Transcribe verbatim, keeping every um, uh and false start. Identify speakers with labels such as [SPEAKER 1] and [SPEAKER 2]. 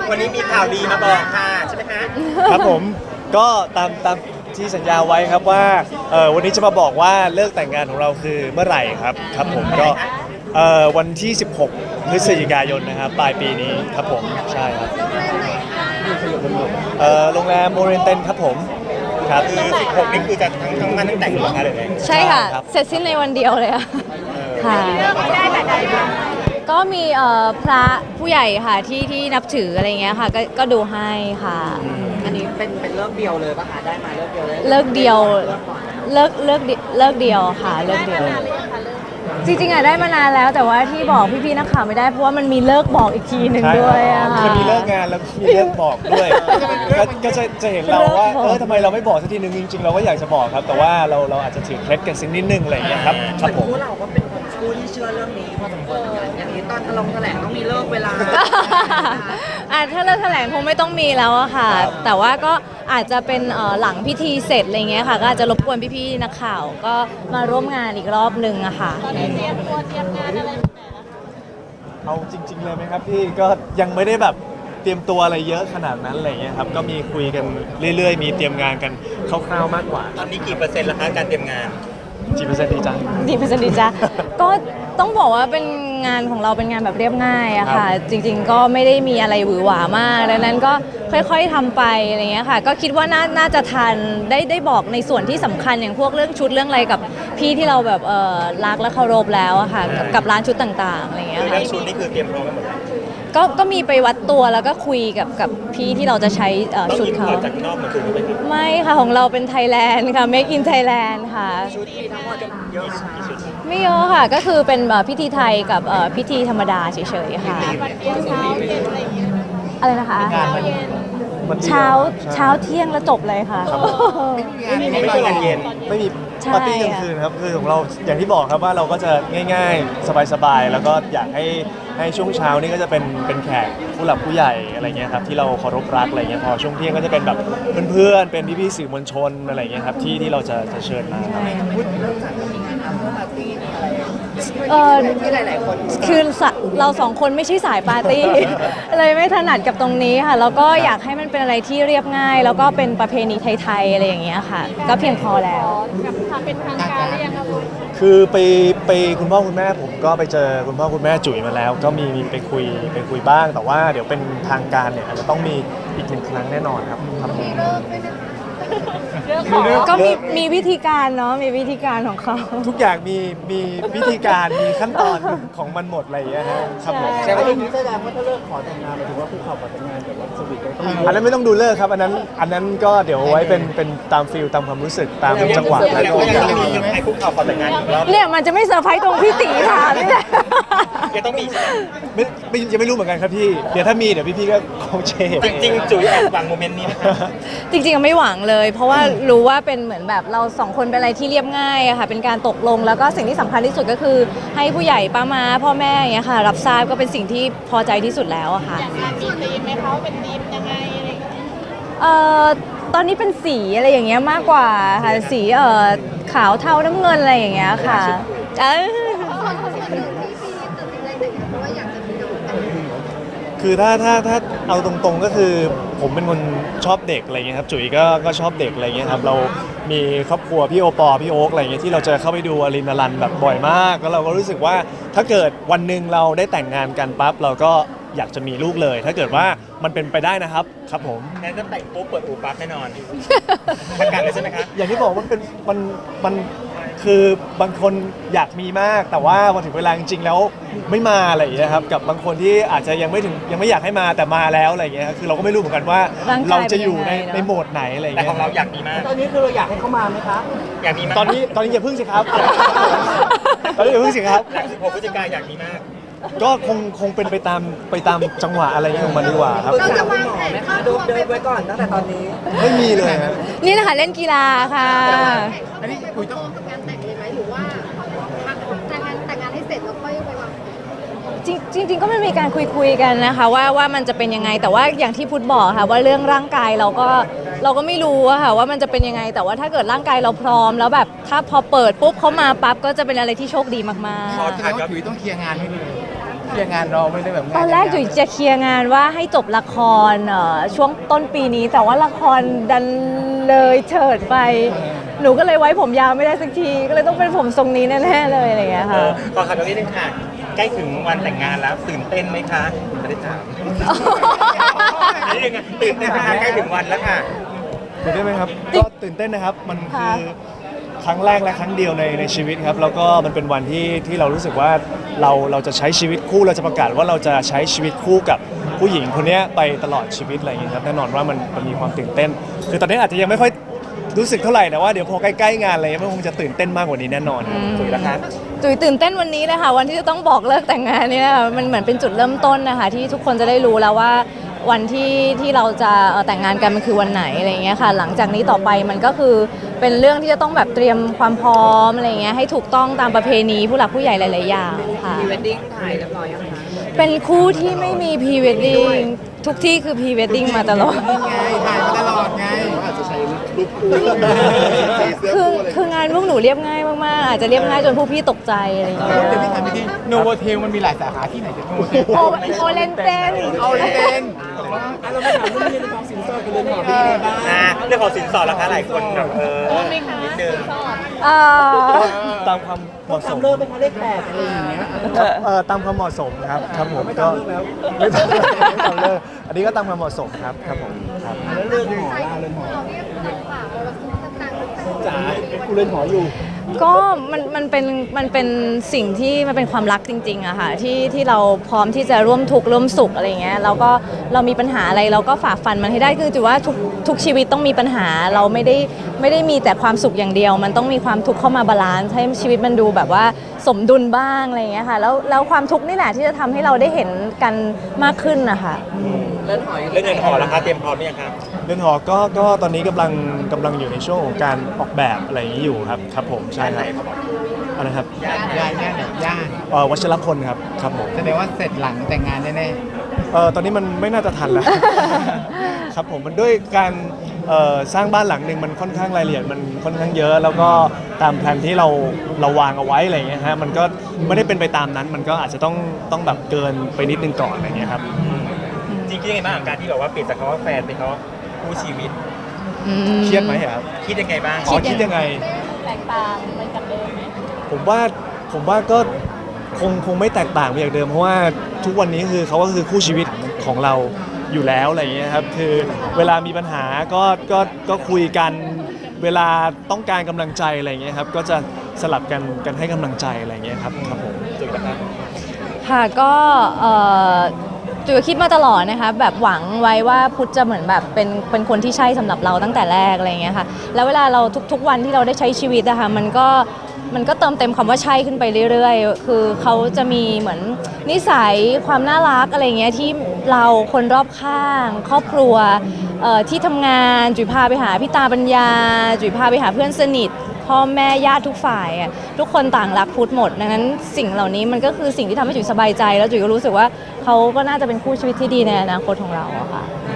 [SPEAKER 1] วันนี้มีข่าวดีมาบอกค่ะใช่ไหมคะ
[SPEAKER 2] ครับผมก็ตามตามที่สัญญาไว้ครับว่าเออวันนี้จะมาบอกว่าเลิกแต่งงานของเราคือเมื่อไหร่ครับครับผมก็เออวันที่ สิบหก พฤศจิกายนนะครับปลายปีนี้ครับผมใช่ครับเออโรงแรมโมเรนเตนครับผมครับ
[SPEAKER 1] คือสิบหกนี่คือจะทั้งทั้งวันทั้งแต่งหรือเปล่าคะหรือไง
[SPEAKER 3] ใช่ค่ะ
[SPEAKER 2] ครับ
[SPEAKER 3] เสร็จสิ้นในวันเดียวเลยอะค่ะ
[SPEAKER 4] ได้แต่ใดบ้าง
[SPEAKER 3] ก็มีเอ่อพระผู้ใหญ่ค่ะที่ที่นับถืออะไรเงี้ยค่ะก็ก็ดูให้ค่ะ
[SPEAKER 5] อันนี้เป็นเป็นเลิกเดียวเลยป่ะคะได้มาเลิกเดียวเลย
[SPEAKER 3] เลิกเดียวเลิกเลิกเดีเลิกเดียวค่ะเลิกเดียว จริงๆอะได้มานานแล้วแต่ว่าที่บอกพี่ๆนักข่าวไม่ได้เพราะว่ามันมีเลิกบอกอีกทีหนึ่ง
[SPEAKER 2] ใช่
[SPEAKER 3] ด้วยอะค่ะ
[SPEAKER 2] จะมีเลิกงานแล้วมีเลิกบอกด้วยก็ก็จะจะเห็นเราว่าเออทำไมเราไม่บอกสักทีนึงจริงๆเราก็อยากจะบอกครับ แต่ว่าเราเราอาจจะถือเคล็ดกันสักนิดนึงอะไรอย่างเงี้ยครับครับผม
[SPEAKER 5] พวกเราก็เป็นคนคู่ที่เชื่อเรื่องนี้พอสมควรเหมือนกันอย่างนี้ตอนลงแถลงต้องมีเลิกเวลา
[SPEAKER 3] อ่ะถ้าเลิกแถลงคงไม่ต้องมีแล้วอะค่ะ แต่ว่าก็อาจจะเป็นเอ่อหลังพิธีเสร็จอะไรเงี้ยค่ะ ก็อาจจะรบกวนพี่ๆนักข่าวก็มาร่วมงานอีกรอบนึงอะค่ะ
[SPEAKER 2] เอาจริง ๆ เลยไหมครับพี่ก็ยังไม่ได้แบบเตรียมตัวอะไรเยอะขนาดนั้นอะไรอย่างเงี้ยครับก็มีคุยกันเรื่อยๆ มีเตรียมงานกันคร่าวๆมากกว่า
[SPEAKER 1] ตอนนี้กี่เปอร์เซ็นต์แล้วคะการเตรียมงาน
[SPEAKER 2] กี่เปอร์เซ็นต์ดีจัง
[SPEAKER 3] ดีเป็นสนิทจ้ะ ก็ต้องบอกว่าเป็นงานของเราเป็นงานแบบเรียบง่ายอะค่ะ จริงๆก็ไม่ได้มีอะไรหวือหวามากดังนั้นก็ค่อยๆทำไปอะไรเงี้ยค่ะ ก็คิดว่าน่าน่าจะทันได้ได้บอกในส่วนที่สำคัญอย่างพวกเรื่องชุดเรื่องอะไรกับพี่ที่เราแบบเออรักและเคารพแล้วอะค่ะกับกับร้านชุดต่างๆอะไรเงี้ย
[SPEAKER 1] คือ
[SPEAKER 3] ค่ะ
[SPEAKER 1] เรื่องชุดนี่คือเตรียมพร้อมกันหมดแล้ว
[SPEAKER 3] ก็ก็มีไปวัดตัวแล้วก็คุยกับกับพี่ที่เราจะใช้เอ่อ
[SPEAKER 1] ต้อง
[SPEAKER 3] ชุด
[SPEAKER 1] อินพ
[SPEAKER 3] เขา
[SPEAKER 1] อร์ตจากนอกมาคือไหมครับ
[SPEAKER 3] ไม่ค่ะของเราเป็นไทยแลนด์ค่ะ Make in Thailand ค่ะ
[SPEAKER 5] ชุดที่ทั้งหมดเยอะค่ะ
[SPEAKER 3] ไม่เยอะค่ะ ก็คือเป็นเอ่อพิธีไทยกับเอ่อพิธีธรรมดาเฉยๆค่ะ อะไรนะคะ
[SPEAKER 2] มันดี
[SPEAKER 3] เช้า
[SPEAKER 2] ใช่
[SPEAKER 3] เช้าเที่ยงแล้วจบเลยค่ะ
[SPEAKER 2] ไม่มี
[SPEAKER 1] ไม่มีงานเย็น
[SPEAKER 2] ไม่มี
[SPEAKER 3] ใช่
[SPEAKER 2] ปาร์ตี้กลางคืนครับคือของเราอย่างที่บอกครับว่าเราก็จะง่ายๆ สบายๆ แล้วก็อยากให้ให้ช่วงเช้านี่ก็จะเป็นเป็นแขกผู้หลักผู้ใหญ่อะไรเงี้ยครับที่เราเคารพรักอะไรเงี้ยพอช่วงเที่ยงก็จะเป็นแบบเพื่อนๆเป็นพี่ๆสื่อมวลชนอะไรเงี้ยครับที่ที่เราจะจะเชิญมาครับ
[SPEAKER 5] พูดเรื่องจากมีงานอัพเตอร์ปาร์ตี้มีอะไร
[SPEAKER 3] เออ
[SPEAKER 5] ที่หลายๆคน
[SPEAKER 3] คือสะเราสองคนไม่ใช่สายปาร์ตี้ เลยไม่ถนัดกับตรงนี้ค่ะ แล้วก็อยากให้มันเป็นอะไรที่เรียบง่าย แล้วก็เป็นประเพณีไทยๆอะไรอย่างเงี้ยค่ะ ก็เพียงพอแล้ว
[SPEAKER 2] คือไปไปคุณพ่อคุณแม่ผมก็ไปเจอคุณพ่อคุณแม่จุ๋ยมาแล้ว ก็มีมีไปคุยไปคุยบ้าง แต่ว่าเดี๋ยวเป็นทางการเนี่ยอาจจะต้องมีอีกหนึ่งครั้งแน่นอนครับครับผม
[SPEAKER 3] ก็มีมีวิธีการเนาะมีวิธีการของเขา
[SPEAKER 2] ทุกอย่างมีมีวิธีการมีขั้นตอนของมันหมดอะไรอย่างเงี้ยนะครับผม
[SPEAKER 5] แต่ว่าอย่างนี้แสดงว่าถ้าเลิกขอแต่งงานหมายถึงว่าคู่เขาขอแต่งงานแบบว่าสวีทกันต้องมี
[SPEAKER 2] อันนั้นไม่ต้องดูเลิกครับอันนั้นอันนั้นก็เดี๋ยวไว้เป็นเป็นตามฟิลตามความรู้สึกตามจังหวะ
[SPEAKER 1] แล้วก็ยังต้องมีให้คุกเข่าขอแต่งงานอีกรอบ
[SPEAKER 3] เนี่ยมันจะไม่เซอร์ไพรส์ตรงพี่ตีค่ะนี่แหละ
[SPEAKER 1] ยังต้องมีใช่ไหม
[SPEAKER 2] ไม่ไม่ยังไม่รู้เหมือนกันครับพี่เดี๋ยวถ้ามีเดี๋ยวพี่ๆก็คงเชฟ
[SPEAKER 1] จริงๆจุ๋ยแอบหวังโมเมนต์นี้ไหมครับ
[SPEAKER 3] จริงๆไม่หวังเลย เพราะว่ารู้ว่าเป็นเหมือนแบบเราสองคนเป็นอะไรที่เรียบง่ายอะค่ะเป็นการตกลงแล้วก็สิ่งที่สำคัญที่สุดก็คือ ให้ผู้ใหญ่ป้ามาพ่อแม่อย่างเงี้ยค่ะรับทราบก็เป็นสิ่งที่พอใจที่สุดแล้วอะค่ะ
[SPEAKER 4] มีธีมไหมคะว่าเป็นธีมยังไงอะไรอย่างเงี้ย
[SPEAKER 3] เอ่อตอนนี้เป็นสีอะไรอย่างเงี้ยมากกว่าค่ะสีเอ่อขาวเทาน้ำเงินอะไรอย่างเงี้ยค่ะเอ้ย
[SPEAKER 2] คือถ้าถ้าถ้าเอาตรงๆก็คือผมเป็นคนชอบเด็กอะไรเงี้ยครับจุ๋ยก็ก็ชอบเด็กอะไรเงี้ยครับเรามีครอบครัวพี่โอปอพี่โอ๊กอะไรเงี้ยที่เราจะเข้าไปดูอลินอลันแบบบ่อยมากแล้วเราก็รู้สึกว่าถ้าเกิดวันหนึ่งเราได้แต่งงานกันปั๊บเราก็อยากจะมีลูกเลย ถ้าเกิดว่ามันเป็นไปได้นะครับครับผม
[SPEAKER 1] งั้นก็แต่งปุ๊บเปิดอู่ปั๊บแน่นอนประกาศเลยใช่ไหมคะ
[SPEAKER 2] อย่างที่บอกว่าเป็นมันมันคือบางคนอยากมีมาก แต่ว่าพอถึงเวลาจริงๆแล้วไม่มาอะไรอย่างเงี้ยครับกับบางคนที่อาจจะยังไม่ถึงยังไม่อยากให้มาแต่มาแล้วอะไรอย่างเงี้ยครับคือเราก็ไม่รู้เหมือนกันว่า
[SPEAKER 3] ร่างกาย
[SPEAKER 2] เราจะอยู่ใน
[SPEAKER 3] เป็นยังไงเนอะ
[SPEAKER 2] ในโหมดไหนอะไรอย่าง
[SPEAKER 1] แต่
[SPEAKER 2] เงี้
[SPEAKER 1] ข
[SPEAKER 2] ย
[SPEAKER 1] องเราอยากมีมาก
[SPEAKER 5] ตอนนี้คือเราอยากให้เขามาไหมคะ
[SPEAKER 1] อยากมีมาก
[SPEAKER 2] ตอนนี้ตอนนี้อย่าพึ่งสิครับ ตอนนี้อย่าพึ่งสิครับ
[SPEAKER 1] หลังสิบหกพฤศจิกายนอยากมีมาก
[SPEAKER 2] ก็คงคงเป็นไปตามไปตามจังหวะอะไรอย่างเงี้ยของมันดีกว่าครับ
[SPEAKER 5] ปรึกษาคุณหมอไหมคะดูเดินไว้ก่อนตั้งแต่ตอนนี้
[SPEAKER 2] ไม่มีเลยฮะ
[SPEAKER 3] นี่นะคะเล่นกีฬาค่ะ
[SPEAKER 4] อันนี้คุยต้องงานแต่งเลยไหมหรือว่าแต่งงานแต่งงานให้เสร็จแล้วค่อยไปวาง
[SPEAKER 3] จริงจริงๆก็ไม่มีการคุยคุยๆกันนะคะว่าว่ามันจะเป็นยังไงแต่ว่าอย่างที่พุทธบอกค่ะว่าเรื่องร่างกายเราก็เราก็ไม่รู้อะค่ะว่ามันจะเป็นยังไง แต่ว่าถ้าเกิดร่างกายเราพร้อมแล้วแบบถ้าพอเปิดปุ๊บเขามาปั๊บก็จะเป็นอะไรที่โชคดีมาก
[SPEAKER 1] ขอ
[SPEAKER 3] ๆ
[SPEAKER 1] ถามครับ
[SPEAKER 6] ถือต้องเคลียร์งานให้ดี
[SPEAKER 1] ลียร์งานรอไม่ได้แบบ
[SPEAKER 3] ตอนแรกจุ๋ยจะเคลียร์งานว่าให้จบละครเอ่อช่วงต้นปีนี้ แต่ว่าละครดันเลยเฉิดไป หนูก็เลยไว้ผมยาวไม่ได้สักที ก็เลยต้องเป็นผมทรงนี้แน่ๆเลยอะไรอย่างเงี้ย
[SPEAKER 1] เอ
[SPEAKER 3] ค่ะ
[SPEAKER 1] อขอถามตรงนี้นึงค่ะ ใกล้ถึงวันแต่งงานแล้วตื่นเต้นไหมคะไม่ได้ถามนี่ยังไงตื่นเต้นไหมคะใกล้ถึงวันแล้วค่ะ
[SPEAKER 2] ตื่นเต้นไหมครับก็ตื่นเต้นนะครับมันคือครั้งแรกและครั้งเดียวในในชีวิตครับแล้วก็มันเป็นวันที่ที่เรารู้สึกว่าเราเราจะใช้ชีวิตคู่เราจะประกาศว่าเราจะใช้ชีวิตคู่กับผู้หญิงคนนี้ไปตลอดชีวิตอะไรอย่างเงี้ยครับแน่นอนว่ามันมันมีความตื่นเต้น คือตอนนี้อาจจะยังไม่ค่อยรู้สึกเท่าไหร่แต่ว่าเดี๋ยวพอใกล้ๆงานอะไรเงี้ยมันคงจะตื่นเต้นมากกว่านี้แน่นอนครับ
[SPEAKER 1] สวยแล้วครับ
[SPEAKER 3] จุ๋ยตื่นเต้นวันนี้เลยค่ะวันที่จะต้องบอกเลิกแต่งงานนี่นะคะมันเหมือนเป็นจุดเริ่มต้นนะคะที่ทุกคนจะได้รู้แล้วว่าวันที่ที่เราจะเอ่อแต่งงานกันมันคือวันไหนอะไรอย่างเงี้ยค่ะหลังจากนี้ต่อไปมันก็คือเป็นเรื่องที่จะต้องแบบเตรียมความพร้อมอะไรอย่างเงี้ยให้ถูกต้องตามประเพณีผู้หลักผู้ใหญ่หลายๆอย่างค่ะ
[SPEAKER 5] พรีเวดดิ้งถ่ายเรียบร้อยยังคะ
[SPEAKER 3] เป็นคู่ที่ไม่มีพรีเวดดิ้งทุกที่คือพรีเวดดิ้งมาตลอด
[SPEAKER 1] ไงถ่ายมาตลอดไงอาจจะใช้รูปคู่
[SPEAKER 3] คือคืองานพวกหนูเรียบง่ายมากๆอาจจะเรียบง่ายจนผู้พี่ตกใจอะไรอย่างเงี้ย
[SPEAKER 1] เดี๋ยวพี่ถามพี่ทีโนโวเทลมันมีหลายสาขาที่ไหนจะโนโวเทล
[SPEAKER 3] โอโอเลนเตน
[SPEAKER 1] เอาเลยเต้นเราไม่ถามเรื่องเรื่องของสินสอดกันเลยหน่อยพี่ไงบ้างอ่าเรื่องของสินสอดราคาหลายคนแบบเออนิดนึง
[SPEAKER 3] เอ่อ
[SPEAKER 2] ตามความเหมาะสม
[SPEAKER 5] เลิกเป็นเขาเลขแปดอะไรอย่างเงี้ย
[SPEAKER 2] เอ่อตามความเหมาะสมครับครับผมก็ไม่ทำไม่ทำเลิกอันนี้ก็ตามความเหมาะสมครับครับผมครับ
[SPEAKER 1] แล้วเรื่องหมอล่าเรื่องหมอ
[SPEAKER 4] เราเนี่ยฝากเราต่างๆ
[SPEAKER 1] จ๋ากูเล่นหมออยู่
[SPEAKER 3] ก็มันมันเป็นมันเป็นสิ่งที่มันเป็นความรักจริงๆอะค่ะที่ที่เราพร้อมที่จะร่วมทุกข์ร่วมสุขอะไรเงี้ยเราก็เรามีปัญหาอะไรเราก็ฝ่าฟันมันให้ได้คือถือว่าทุกทุกชีวิตต้องมีปัญหาเราไม่ได้ไม่ได้มีแต่ความสุขอย่างเดียว มันต้องมีความทุกข์เข้ามาบาลานซ์ให้ชีวิตมันดูแบบว่าสมดุลบ้างอะไรเงี้ยค่ะแล้วแล้วความทุกข์นี่แหละที่จะทำให้เราได้เห็นกันมากขึ้นนะคะ
[SPEAKER 5] เลื่อนหอย
[SPEAKER 1] เรื่องเงินหอราคาเตรียมพร้อมหรือยังครับ
[SPEAKER 2] เรือนหอก็ก็ตอนนี้กำลังกำลังอยู่ในช่วงของการออกแบบอะไรอย่างนี้อยู่ครับครับผมใช่ครับอะไรครับ
[SPEAKER 1] ย่านย่านย่านไหนย่าน
[SPEAKER 2] เอ่อวัชรพลครับครับผม
[SPEAKER 1] แสดงว่าเสร็จหลังแต่งงานแน่
[SPEAKER 2] เอ่อตอนนี้มันไม่น่าจะทันแล้ว ครับผมมันด้วยการเอ่อสร้างบ้านหลังหนึ่งมันค่อนข้างรายละเอียดมันค่อนข้างเยอะ แล้วก็ตามแผนที่เราเราวางเอาไว้อะไรอย่างเงี้ยฮะมันก็ไม่ได้เป็นไปตามนั้น มันก็อาจจะต้องต้องแบบเกินไปนิดนึงก่อนอะไรอย่างเงี้ยครับ
[SPEAKER 1] ๆจริงๆยังไงบ้างกับการที่แบบว่าเปลี่ยนจากคำว่าแฟนเป็นคำว่าคู่ชีวิต
[SPEAKER 2] เครียดไหมครับ
[SPEAKER 1] คิดยังไงบ้าง
[SPEAKER 2] อ๋อคิดยังไง
[SPEAKER 3] แตกต่างไปจากเดิมไหม
[SPEAKER 2] ผมว่าผมว่าก็คงคงไม่แตกต่างไปจากเดิมเพราะว่าทุกวันนี้คือเขาก็คือคู่ชีวิตของเราอยู่แล้วอะไรอย่างเงี้ยครับคือเวลามีปัญหาก็ก็ก็คุยกันเวลาต้องการกำลังใจอะไรอย่างเงี้ยครับก็จะสลับกันกันให้กำลังใจอะไรอย่างเงี้ยครับครับผม
[SPEAKER 1] จุดนะครับ
[SPEAKER 3] ค่ะก็เอ่อจุ๋ยก็คิดมาตลอดนะคะแบบหวังไว้ว่าพุทธจะเหมือนแบบเป็นเป็นคนที่ใช่สำหรับเราตั้งแต่แรกอะไรอย่างเงี้ยค่ะแล้วเวลาเราทุกๆวันที่เราได้ใช้ชีวิตอะค่ะมันก็มันก็เติมเต็มคำว่าใช่ขึ้นไปเรื่อยๆคือเขาจะมีเหมือนนิสัยความน่ารักอะไรอย่างเงี้ยที่เราคนรอบข้าง ครอบครัวเอ่อที่ทำงานจุ๋ยพาไปหาพี่ตาปัญญา จุ๋ยพาไปหาเพื่อนสนิทพ่อแม่ญาติทุกฝ่ายอะทุกคนต่างรักพุทธหมดดังนั้นสิ่งเหล่านี้มันก็คือสิ่งที่ทำให้จุ๋ยสบายใจแล้วจุ๋ยก็รู้สึกว่าเขาก็น่าจะเป็นคู่ชีวิตที่ดีในอนาคตของเราอะค่ะ